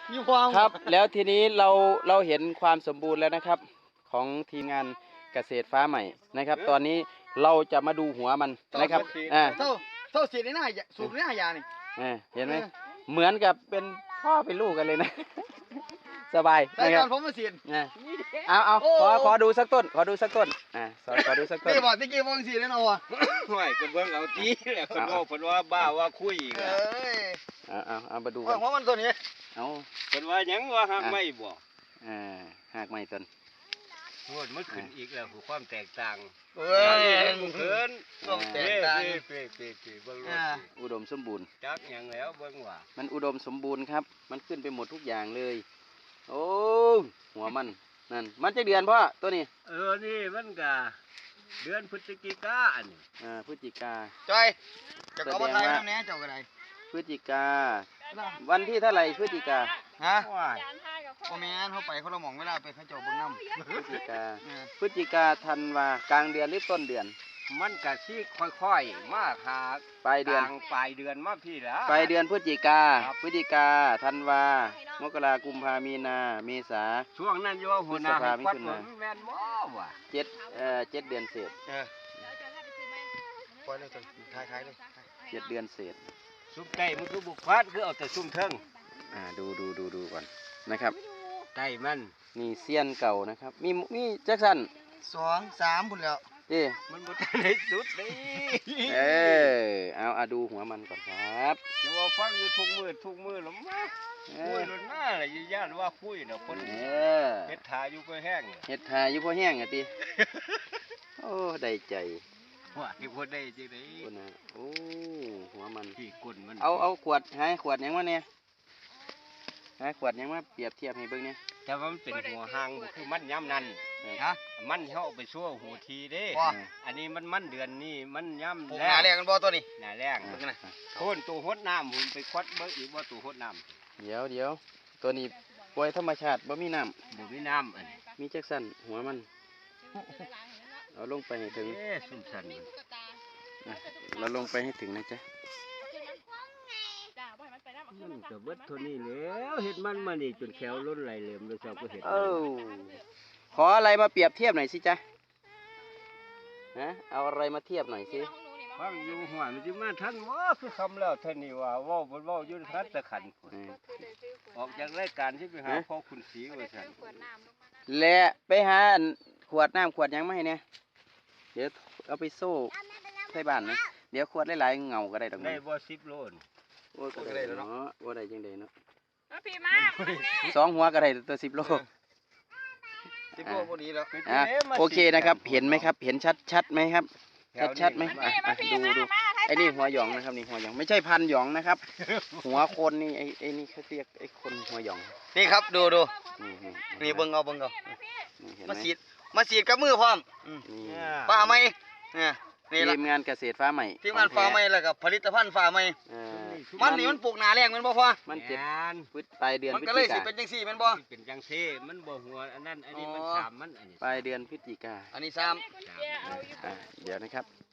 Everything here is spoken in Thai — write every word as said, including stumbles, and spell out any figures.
มีความครับแล้วทีนี้เราเราเห็นความสมบูรณ์แล้วนะครับ ของทีมงานเกษตรฟ้าใหม่นะครับ ตอนนี้เราจะมาดูหัวมันนะครับอ่าเท่าเท่าสีในหน้าสูบในหน้ายานี่อ่าเห็นไหมเหมือนกับเป็นพ่อเป็นลูกกันเลยนะ สบายแต่นะคตรัอบ นผมมาเสียนอ่าเอาเอาขอขอดูสักต้นขอดูสักต้นอ่าขอขอดูสักต้นนี่บอกตะกี้มองสีเลยนะวะห่วยก็เบิ่งเอาตีแหละคนว่าเพิ่นว่าบ้าว่าคุยอีกเออะ้ยเอาเอาเอามาดูกัว่าน หัวมันตัวนี้เอาเพิ่นว่าหยังว่าหักไม่บ่อ่าหากไม่ต้นโหดมันขึ้นอีกแล้วคือความแตกต่างเอ้ยเพิ่นต้องแตเป้กต่างเป้เป้เป้เบิ่งอ่าอุดมสมบูรณ์จักหยังแล้วเบิ่งว่ามันอุดมสมบูรณ์ครับ มันขึ้นไปหมดทุกอย่างเลย โอ้หัวมันนั่นมันจะเดือนพ่อตัวนี้เออนี่มันก็เดือนพฤศจิกาอันนี้อ่าพฤศจิกาจอยจะเอามาไทยน้ำเนี้ยเจ้าก็ได้พฤศจิกา วันที่เท่าไหร่พฤศจิกาฮะว้ายพ่อแม่นเขาไปเขาละหมองเวลาไปเขาเจ้าเบิ่งน้ำพฤศจิกาเออพฤศจิกาธันวากลางเดือนหรือต้นเดือนมันก็สิค่อยๆมาหาปลายเดือนกลางปลายเดือนมาพี่ละปลายเดือนพฤศจิกาครับพฤศจิกาธันวามกรากุมภามีนาเมษาช่วงนั้นอยู่ว่าหัวหน้าให้ควัดผมแม่นบ่วะเจ็ดเอ่อเจ็ดเดือนเศษเออปล่อยเลยจนท้ายท้ายเลยเจ็ดเดือนเศษซุ่มไก่มันคือบุกควัดคือเอาแต่ซุ่มเทิงอ่าดูดูดูดูก่อนนะครับไก่มันนี่เซียนเก่านะครับ มีมีแจ็คสันสองสามพุ่นแล้วเจ้มันบ่ทันได้สุดนี่เออเอาเอาดูหัวมันก่อนครับจะว่าฟังอยู่ทุกมือทุกมือหรอมาเอคุยอรถหน้าอะไรย่านว่าคุยเนาะคนเออเฮ็ดทาอยู่เพื่อแห้งเนี่ยเห็ดทาอยู่พอแห้งอ่ะติ โอ้ได้ใจว่าที่คนได้จังได๋คนนะโอ้หัวมันที่ก้นมันเอาเอาขวดหาขวดหยังมาเนี่ยหาขวดหยังมาเปรียบเทียบให้เบิ่งเนี่ยแต่ว่ามันเป็นหัวหางบ่คือมันย่ำนั่นฮะมันเฮาเอาไปชั่วหูทีเด้ว่าอันนี้มันมันเดือนนี้มันย่ำปลูกหนาแรกกันบ่ตัวนี้หน้าแรงอ่าเบิ่งนะโคนตัวหดน้ำหุ่นไปควัดเบิ่งอีกว่าตัวหดน้ำเดี๋ยวเดี๋ยวตัวนี้ปล่อยธรรมชาติบ่มีน้บ่มีน้ำอันนี้ำมีแจ็คสันหัวมันเอาลงไปให้ถึงเอ๊ะสุ่มสันมันอ่ะเราลงไปให้ถึงนะจ๊ะมันก็เบิดเท่านี้แล้วเฮ็ดมันมานี่จนแขวล้นไหลเหลมเลยเจ้าก็เฮ็ดเอ้าขออะไรมาเปรียบเทียบหน่อยสิจ๊ะฮะเอาอะไรมาเทียบหน่อยสิฟังอยู่หัวมันสิมาทันบ่คือคำแล้วเท่านี้ว่าเว้าบ่เว้าอยู่ทันตะขันพุ่นเออออกจากรายการที่ไปหาพ่อคุณศรีว่าซั่นและไปหาอันขวดน้ำขวดหยังมาให้เนี่ยเดี๋ยวเอาไปโซ่ใส่บ้านนะเดี๋ยวขวดหลายๆเงาก็ได้ดอกได้นะบ่สิบโลนโอ้ยก็ได้เนาะว่าได้จังไดเนาะพี่มาสองหัวก็ได้ตัวสิบโลสิบโลพอดีแล้วอ่ะโอเคนะครับ เห็นไหมครับ เห็นชัดชัดไหมครับ ชัดชัดไหมอ่ะอ่ะดูดูไอ้นี่หัวหยองนะครับนี่หัวหยองไม่ใช่พันหยองนะครับ หัวคนนี่ไอ้ไอ้นี่เขาเรียกไอ้คนหัวหยองนี่ครับดูดูนี่นี่นี่เบิ่งเอาเบิ่งเอานี่เห็นไหมาสีดมาสีดกับมือพร้อมอืมนี่ฟ้าไหมเนี่ยนี่ละทีมงานเกษตรฟ้าใหม่ทีมงานฟ้าไหมแล้วก็ผลิตภัณฑ์ฟ้าไหมเออมันนี่มันปลูกหนาแรงแมันบ่พอมันเจ็ดงานพฤษปลายเดือนมันพฤศก็เลยจิสิกาเป็นจังซี่แม่นบ่เป็นจังซี่มันบ่หัวอันนั้นอันนี้มันอ๋อสามมันอันนี้ปลายเดือนพฤศจิกาอันนี้ซ้อ่ะเดี๋ยวนะครับ